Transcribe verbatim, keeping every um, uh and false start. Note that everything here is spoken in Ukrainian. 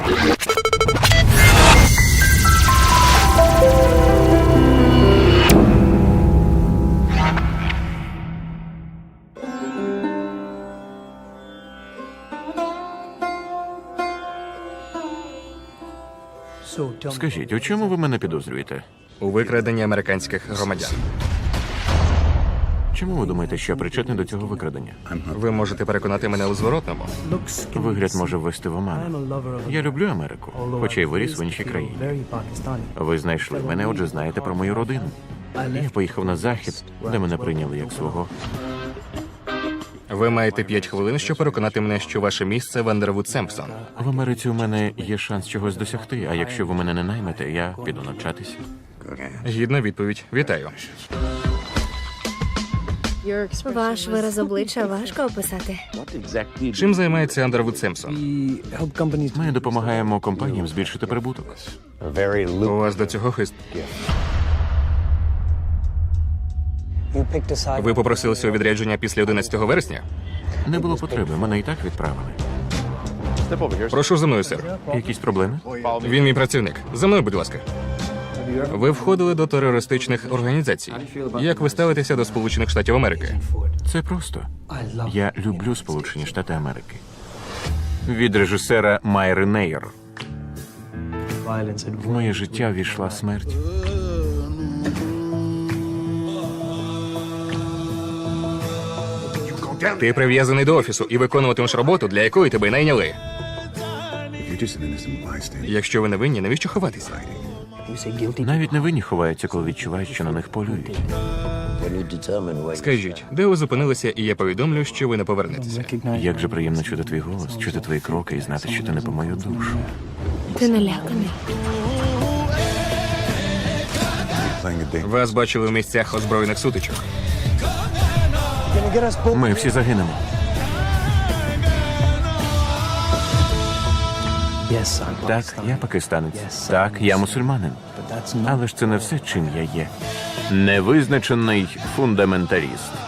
Скажіть, у чому ви мене підозрюєте? У викраденні американських громадян. Чому ви думаєте, що я причетний до цього викрадення? Ви можете переконати мене у зворотному. Вигляд може ввести в оману. Я люблю Америку, хоча й виріс в іншій країні. Ви знайшли мене, отже, знаєте про мою родину. Я поїхав на захід, де мене прийняли як свого. Ви маєте п'ять хвилин, щоб переконати мене, що ваше місце в Андервуд Семпсон. В Америці у мене є шанс чогось досягти, а якщо ви мене не наймете, я піду навчатися. Гідна відповідь. Вітаю. Ваш вираз обличчя важко описати. Чим займається Андервуд Семпсон? Ми допомагаємо компаніям збільшити прибуток. У вас до цього хист. Ви попросилися у відрядження після одинадцятого вересня? Не було потреби, мене і так відправили. Прошу за мною, сер. Якісь проблеми? Він мій працівник. За мною, будь ласка. Ви входили до терористичних організацій. Як ви ставитеся до Сполучених Штатів Америки? Це просто. Я люблю Сполучені Штати Америки. Від режисера Майри Нейр. В моє життя ввійшла смерть. Ти прив'язаний до офісу і виконуватимеш роботу, для якої тебе й найняли. Якщо ви не винні, навіщо ховатися? Навіть невинні ховаються, коли відчувають, що на них полюють. Скажіть, де ви зупинилися, і я повідомлю, що ви не повернетеся. Як же приємно чути твій голос, чути твої кроки і знати, що ти не по мою душу. Ти наляканий. Вас бачили в місцях озброєних сутичок. Ми всі загинемо. Так, я пакистанець. Так, я мусульманин. Але ж це не все, чим я є. Невизначений фундаменталіст.